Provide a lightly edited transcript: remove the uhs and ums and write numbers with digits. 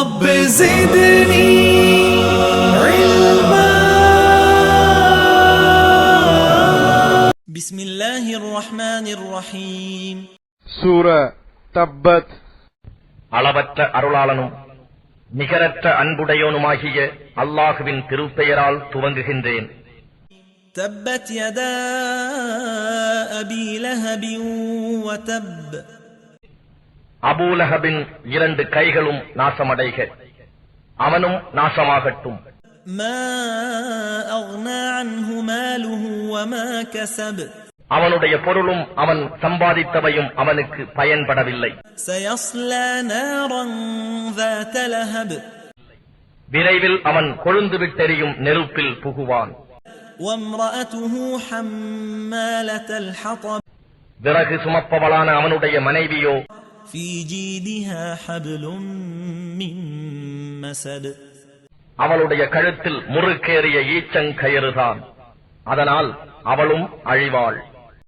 رب زدني علما. بسم الله الرحمن الرحيم. சூரா தப்பத். அளவற்ற அருளாளனும் நிகரற்ற அன்புடையோனுமாகிய அல்லாஹுவின் திருப்பெயரால் துவங்குகின்றேன். تبت يدا أبي لهب وتب. அபூலஹபின் 2 கைகளும் நாசமடைக, அவனும் நாசமாகட்டும். ما أغنى عنه ماله وما كسب. அவனுடைய பொருளும் அவன் சம்பாதித்தவையும் அவனுக்கு பயன்படவில்லை. سيصلى نارا ذات لهب. விரைவில் அவன் கொழுந்து விட்டெறியும் நெருப்பில் புகுவான். وامرأته حمالة الحطب. விறகு சுமப்பவளான அவனுடைய மனைவியோ في جيدها حبل من مسد. அவளுடைய கழுத்தில் முறுக்கேறிய ஈச்சங்கயிறுதான், அதனால் அவளும் அழிவாள்.